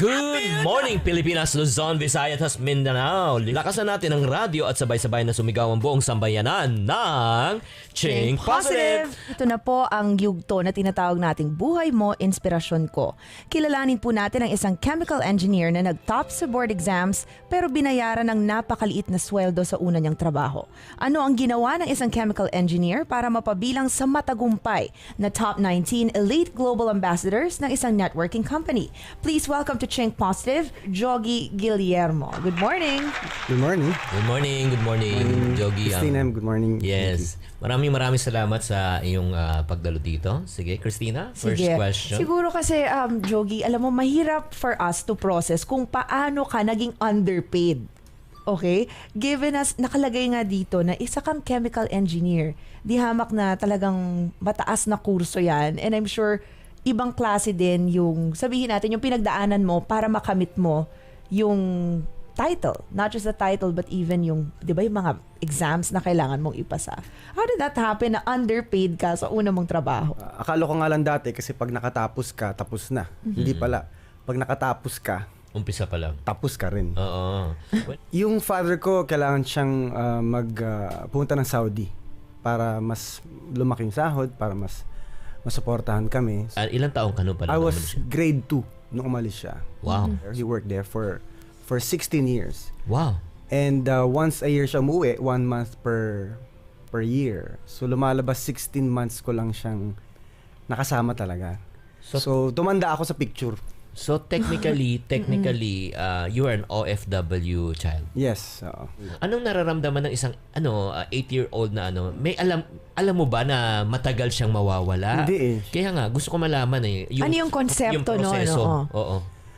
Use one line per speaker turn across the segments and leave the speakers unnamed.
Good morning, Pilipinas, Luzon, Visayas, at Mindanao. Lakasan natin ang radyo at sabay-sabay na sumigaw ang buong sambayanan ng Ching Positive!
Ito na po ang yugto na tinatawag nating Buhay Mo, Inspirasyon Ko. Kilalanin po natin ang isang chemical engineer na nag-top sa board exams pero binayaran ng napakaliit na sweldo sa una niyang trabaho. Ano ang ginawa ng isang chemical engineer para mapabilang sa matagumpay na top 19 elite global ambassadors ng isang networking company? Please welcome to Ching Positive, Jogi Guillermo. Good morning.
Good morning.
Good morning, good morning, Jogi.
Christina, good morning.
Yes. Maraming salamat sa iyong pagdalo dito. Sige, Christina, first question.
Siguro kasi, Jogi, alam mo, mahirap for us to process kung paano ka naging underpaid. Okay? Given us, nakalagay nga dito na isa kang chemical engineer. Di hamak na talagang mataas na kurso yan. And I'm sure, ibang klase din yung, sabihin natin, yung pinagdaanan mo para makamit mo yung title. Not just the title, but even yung, di ba, yung mga exams na kailangan mong ipasa. How did that happen na underpaid ka sa una mong trabaho?
Akala ko nga lang dati kasi pag nakatapos ka, tapos na. Hindi pala. Pag nakatapos ka,
Umpisa pa lang.
tapos ka rin.
Oo.
Yung father ko, kailangan siyang pumunta ng Saudi para mas lumaki yung sahod, para mas masuportahan kami.
Ilang taong ka no pala?
I was grade 2 nung umalis siya.
Wow.
He worked there for 16 years.
Wow.
And once a year siya umuwi, 1 month per year. So lumalabas 16 months ko lang siyang nakasama talaga. So tumanda ako sa picture.
So technically, you are an OFW child.
Yes.
Anong nararamdaman ng isang 8-year-old na may alam mo ba na matagal siyang mawawala?
Hindi eh.
Kaya nga gusto ko malaman
Ano yung konsepto,
yung proseso.
no?
Oo.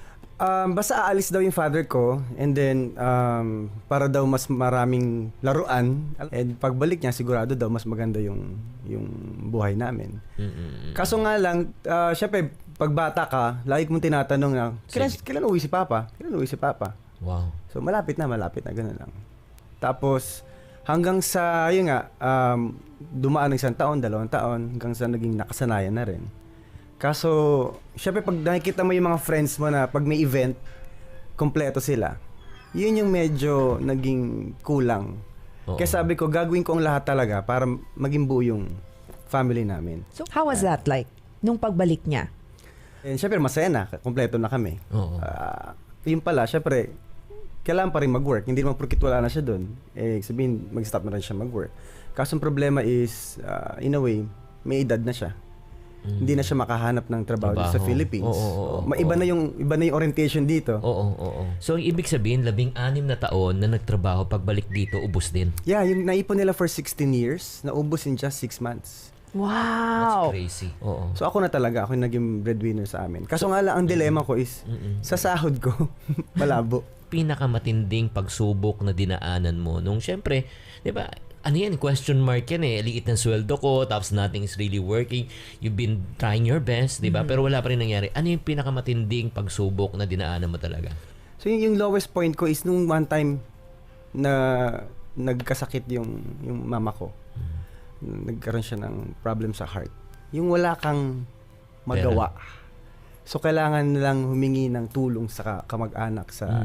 Basta aalis daw yung father ko and then para daw mas maraming laruan and pagbalik niya sigurado daw mas maganda yung buhay namin. Kaso nga lang, syempre pagbata ka, lagi mong tinatanong na, kailan uwi si Papa? Kailan uwi si Papa?
Wow.
So malapit na, gano'n lang. Tapos hanggang sa, yun nga, dumaan ng 1 taon, 2 taon, hanggang sa naging nakasanayan na rin. Kaso, syempre pag nakikita mo yung mga friends mo na pag may event, kompleto sila, yun yung medyo naging kulang.
Oo.
Kaya sabi ko, gagawin ko ang lahat talaga para maging buo yung family namin.
So, how was that like nung pagbalik niya?
And syempre masaya na, kompleto na kami.
Oo.
Yun pala, syempre, kailangan pa rin mag-work. Hindi naman porkit wala na siya doon. Sabihin, mag-stop na rin siya mag-work. Kaso ang problema is, in a way, may edad na siya. Hindi na siya makahanap ng trabaho dito sa Philippines. Iba na yung orientation dito.
Oo. So, ibig sabihin, 16 na taon na nagtrabaho, pagbalik dito, ubos din.
Yeah, yung naipon nila for 16 years, naubos in just 6 months.
Wow!
That's crazy. Oo.
So ako na talaga, ako yung naging breadwinner sa amin. Kaso nga lang, ang dilema ko is, sa sahod ko, malabo.
Pinakamatinding pagsubok na dinaanan mo nung syempre, 'di ba? Ano yan? Question mark yan eh. Liit ng sweldo ko, tapos nothing is really working. You've been trying your best, 'di ba? Pero wala pa rin nangyari. Ano yung pinakamatinding pagsubok na dinaanan mo talaga?
So yung lowest point ko is nung one time na nagkasakit yung mama ko. Nagkaroon siya ng problem sa heart. Yung wala kang magawa. So kailangan nilang humingi ng tulong sa kamag-anak sa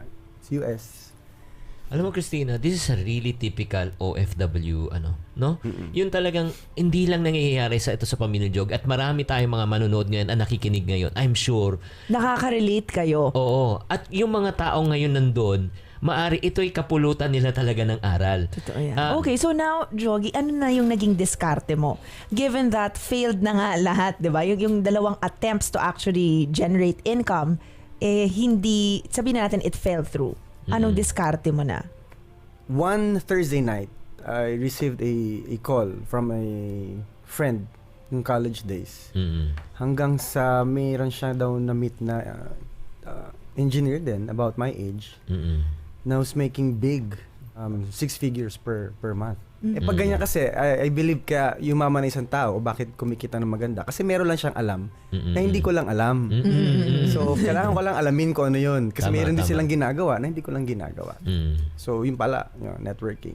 US.
Alam mo, Christina, this is a really typical OFW, no? Yun talagang hindi lang nangyayari sa Pamilya Jog at marami tayong mga manonood ngayon at nakikinig ngayon. I'm sure.
Nakaka-relate kayo.
Oo. At yung mga tao ngayon nandun, maari ito'y kapulutan nila talaga ng aral.
Totoo yan. Okay, so now, Jogi, ano na yung naging diskarte mo? Given that failed na nga lahat, di ba? Yung dalawang attempts to actually generate income, hindi, sabihin na natin, it fell through. Anong diskarte mo na?
One Thursday night, I received a call from a friend ng college days. Hanggang sa mayroon siya daw na-meet na engineer din about my age. Na was making big 6 figures per month. Pag ganyan kasi, I believe kaya yumaman na isang tao o bakit kumikita ng maganda. Kasi meron lang siyang alam na hindi ko lang alam. So, kailangan ko lang alamin ko ano yun. Kasi meron din silang ginagawa na hindi ko lang ginagawa. So, yun pala, networking.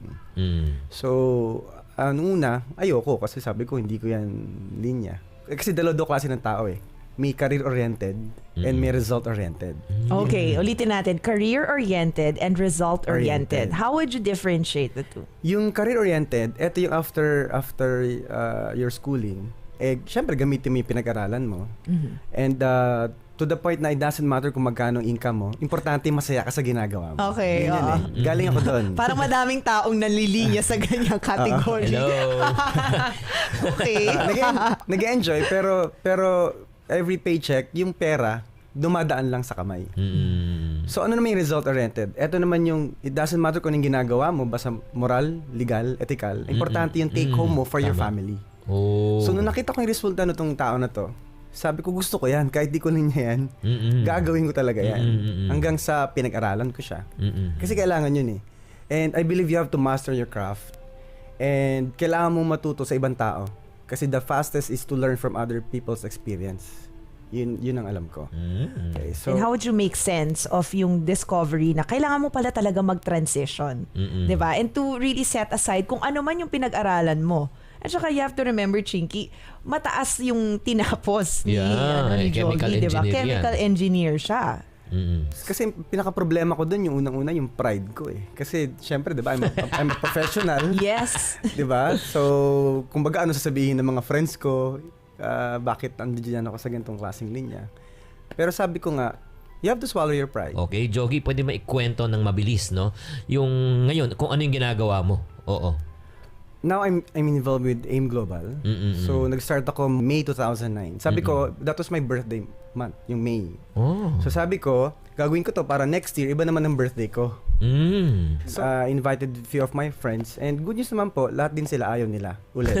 So, nung una, ayoko kasi sabi ko hindi ko yan linya. Kasi dalawa klase ng tao eh. may career-oriented and may result-oriented.
Okay, ulitin natin. Career-oriented and result-oriented.
Oriented.
How would you differentiate the two?
Yung career-oriented, eto yung after your schooling, syempre gamitin mo yung pinag-aralan mo. And to the point na it doesn't matter kung magkano income mo, importante masaya ka sa ginagawa mo.
Okay,
Yun
oo.
Galing ako doon.
Parang madaming taong nanlilinya sa ganyang category.
Hello.
Okay.
Nag-enjoy pero every paycheck, yung pera, dumadaan lang sa kamay. So ano naman yung result-oriented? Ito naman yung, it doesn't matter kung anong ginagawa mo, basta moral, legal, ethical. Importante yung take home mo for your
Tama.
family.
Oh.
So nung nakita ko yung resulta nitong tao na to, sabi ko gusto ko yan, kahit di ko niya yan, gagawin ko talaga yan. Hanggang sa pinag-aralan ko siya. Kasi kailangan yun eh. And I believe you have to master your craft. And kailangan mong matuto sa ibang tao. Kasi the fastest is to learn from other people's experience. Yun ang alam ko. Okay, so,
And how would you make sense of yung discovery na kailangan mo pala talaga mag-transition? 'Di ba? And to really set aside kung ano man yung pinag-aralan mo. At saka you have to remember, Chinky, mataas yung tinapos ni, ni
chemical
Jogi, 'di ba?
engineer yan.
Chemical engineer siya.
kasi pinaka-problema ko dun yung unang-una yung pride ko eh. Kasi syempre, 'di ba, I'm a professional.
Yes.
'Di ba? So, kumbaga ano sasabihin ng mga friends ko, bakit andiyan ako sa ganitong klaseng linya. Pero sabi ko nga, you have to swallow your pride.
Okay, Jogi, pwede maikwento ng mabilis, no? Yung ngayon, kung ano yung ginagawa mo. Oo.
Now I'm involved with AIM Global. So nag-start ako May 2009. Sabi ko, that was my birthday month, yung May.
Oh.
So sabi ko, gagawin ko to para next year iba naman ang birthday ko. So invited a few of my friends and good news naman po, lahat din sila ayaw nila ulit.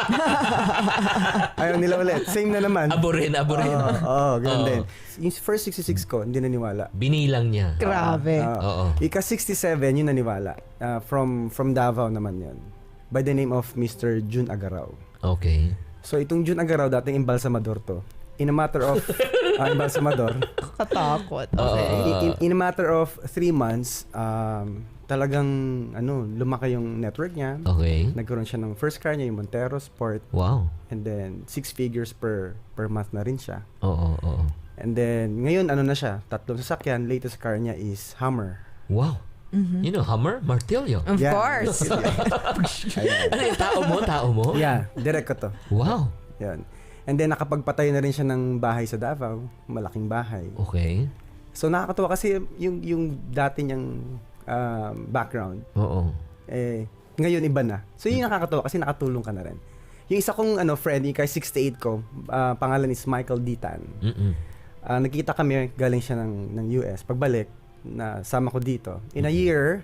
Ayaw nila ulit. Same na naman.
Aborin.
Oo, ganun
Oo.
din. Yung first 66 ko, hindi naniwala.
Binilang niya.
Grabe.
Oo.
Ika 67 yung naniwala. From Davao naman yun. By the name of Mr. Jun Agaraw.
Okay.
So itong Jun Agaraw, dating embalsamador to. In a matter of embalsamador.
Katakot.
In a matter of 3 months, talagang lumaki yung network niya.
Okay.
Nagkaroon siya ng first car niya, yung Montero Sport.
Wow.
And then 6 figures per month na rin siya.
Oo.
And then ngayon na siya, 3 sasakyan, latest car niya is Hummer.
Wow. You know, Hummer, Martillo.
Of
Yeah.
course.
Ayan.
Ano yung tao mo?
Yeah, direct ko to.
Wow.
Yan. And then nakapagpatay na rin siya ng bahay sa Davao, malaking bahay.
Okay.
So nakakatuwa kasi yung dati niyang background,
Oo.
ngayon iba na. So yun yung nakakatuwa kasi nakatulong ka na rin. Yung isa kong friend, yung kay 68 ko, pangalan is Michael Ditan. Nakita kami, galing siya ng US. Pagbalik, sama ko dito. In a year,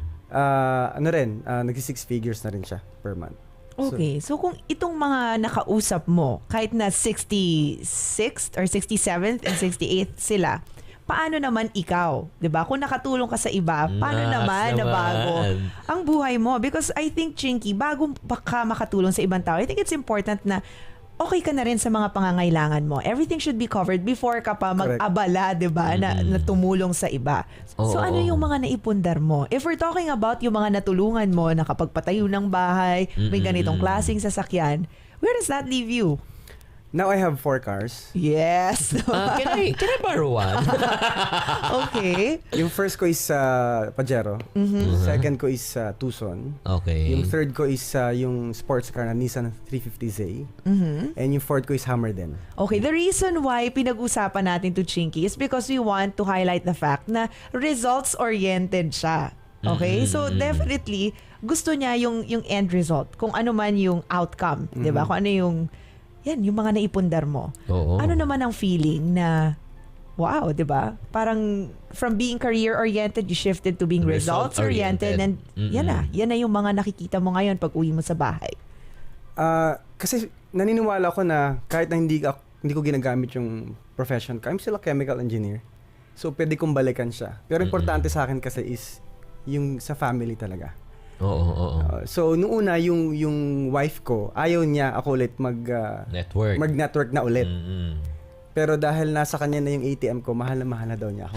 nagsi 6 figures na rin siya per month.
Okay, so kung itong mga nakausap mo, kahit na 66th or 67th and 68th sila, paano naman ikaw? 'Di ba? Kung nakatulong ka sa iba, paano naman na bago ang buhay mo? Because I think, Chinky, bago ka makatulong sa ibang tao, I think it's important na okay ka na rin sa mga pangangailangan mo. Everything should be covered before ka pa mag-abala, 'di ba, na tumulong sa iba. So ano yung mga naipundar mo? If we're talking about yung mga natulungan mo, nakapagpatayo ng bahay, may ganitong klaseng sasakyan, where does that leave you?
Now I have 4 cars.
Yes.
Can I borrow one?
Okay.
Yung first ko is Pajero. Second ko is Tucson.
Okay.
Yung third ko is yung sports car na Nissan 350Z. And yung fourth ko is Hummer din.
Okay, the reason why pinag-usapan natin to Chinky is because we want to highlight the fact na results-oriented siya. Okay? So definitely gusto niya yung end result, kung ano man yung outcome, 'di ba? Kung ano yung yung mga naipundar mo.
Oo.
Ano naman ang feeling na wow, 'di ba? Parang from being career-oriented, you shifted to being results-oriented and yan na yung mga nakikita mo ngayon pag uwi mo sa bahay.
Kasi naniniwala ko na kahit na hindi ko ginagamit yung profession ko, I'm still a chemical engineer. So pwede kong balikan siya. Pero importante sa akin kasi is yung sa family talaga.
Oo.
So nung una yung wife ko, ayaw niya ako ulit mag-network na ulit. Pero dahil nasa kanya na yung ATM ko, mahal na daw niya ako.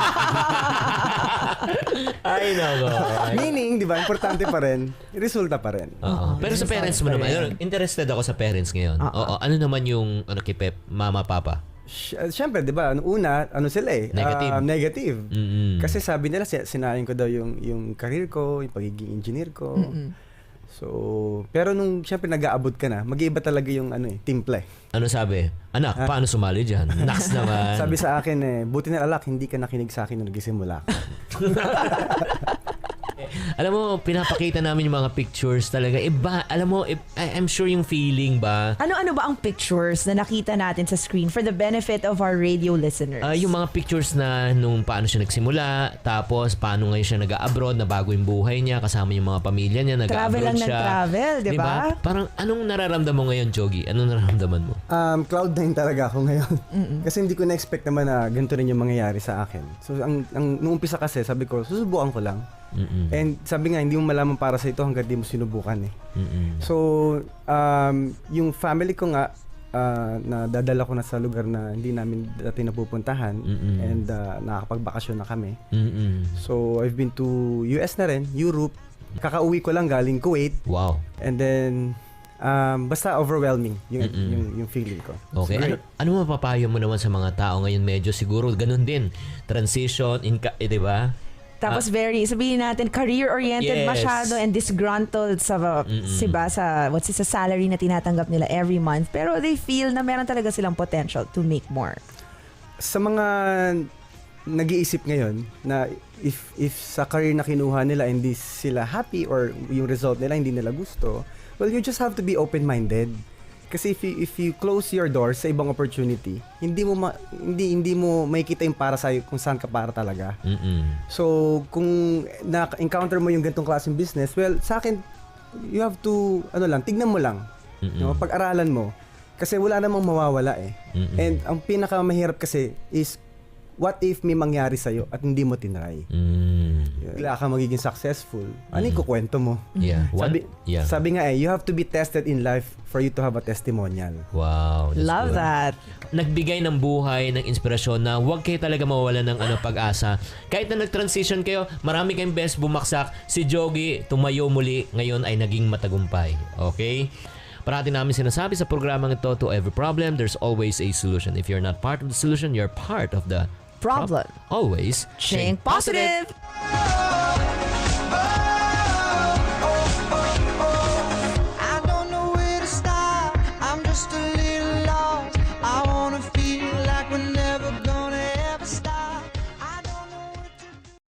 Ay, nako.
Meaning, di ba, importante pa rin, resulta pa rin.
Pero sa parents mo naman, interested ako sa parents ngayon. Oo. Ano naman yung kay Pep, mama, papa?
Siyempre, di ba, una, sila eh?
Negative.
Negative.
Mm-mm.
Kasi sabi nila, sinayang ko daw yung career ko, yung pagiging engineer ko. So, pero nung siyempre nag-aabot ka na, mag-iiba talaga yung timpla eh.
Ano sabi? Anak, paano sumali dyan? Naks naman.
Sabi sa akin buti na alak, hindi ka nakinig sa akin nung nagsimula ka.
Alam mo, pinapakita namin yung mga pictures talaga. Iba, alam mo, I'm sure yung feeling ba?
Ano ba ang pictures na nakita natin sa screen for the benefit of our radio listeners?
Yung mga pictures na nung paano siya nagsimula, tapos paano ngayon siya nag-abroad, na bago yung buhay niya, kasama yung mga pamilya niya,
travel
nag-abroad
lang
siya.
ng travel, di ba?
Parang anong nararamdaman mo ngayon, Jogi? Anong nararamdaman mo?
Cloud9 talaga ako ngayon. Kasi hindi ko na-expect naman na ganito rin yung mangyayari sa akin. So, nung umpisa kasi, sabi ko, susubukan ko lang. And sabi nga, hindi mo malaman para sa ito hanggang di mo sinubukan eh. So, yung family ko nga, na dadala ko na sa lugar na hindi namin dati napupuntahan and nakakapagbakasyon na kami. So, I've been to US na rin, Europe. Kakauwi ko lang galing Kuwait.
Wow.
And then, basta overwhelming yung feeling ko.
Okay. Ano mapapayo mo naman sa mga tao ngayon? Medyo siguro ganun din. Transition, di ba?
Tapos sabihin natin, career-oriented
Yes.
masyado and disgruntled sa sa salary na tinatanggap nila every month. Pero they feel na meron talaga silang potential to make more.
Sa mga nag-iisip ngayon na if sa career na kinuha nila hindi sila happy or yung result nila hindi nila gusto, well, you just have to be open-minded. Kasi if you close your door sa ibang opportunity, hindi mo makikita yung para sa kung saan ka para talaga. So, kung na-encounter mo yung ganitong klaseng business, well, sa akin, you have to, tignan mo lang. No? Pag-aralan mo. Kasi wala namang mawawala eh. And ang pinakamahirap kasi is, what if may mangyari sa'yo at hindi mo tinry? Bigla ka magiging successful. Ano yung kukwento mo?
Yeah.
Sabi nga you have to be tested in life for you to have a testimonial.
Wow.
Love that.
Nagbigay ng buhay, ng inspirasyon na huwag kayo talaga mawawalan ng pag-asa. Kahit na nag-transition kayo, marami kayong best bumagsak. Si Jogi, tumayo muli, ngayon ay naging matagumpay. Okay? Parati namin sinasabi sa programang ito, to every problem, there's always a solution. If you're not part of the solution, you're part of the
Problem.
Always
Think positive.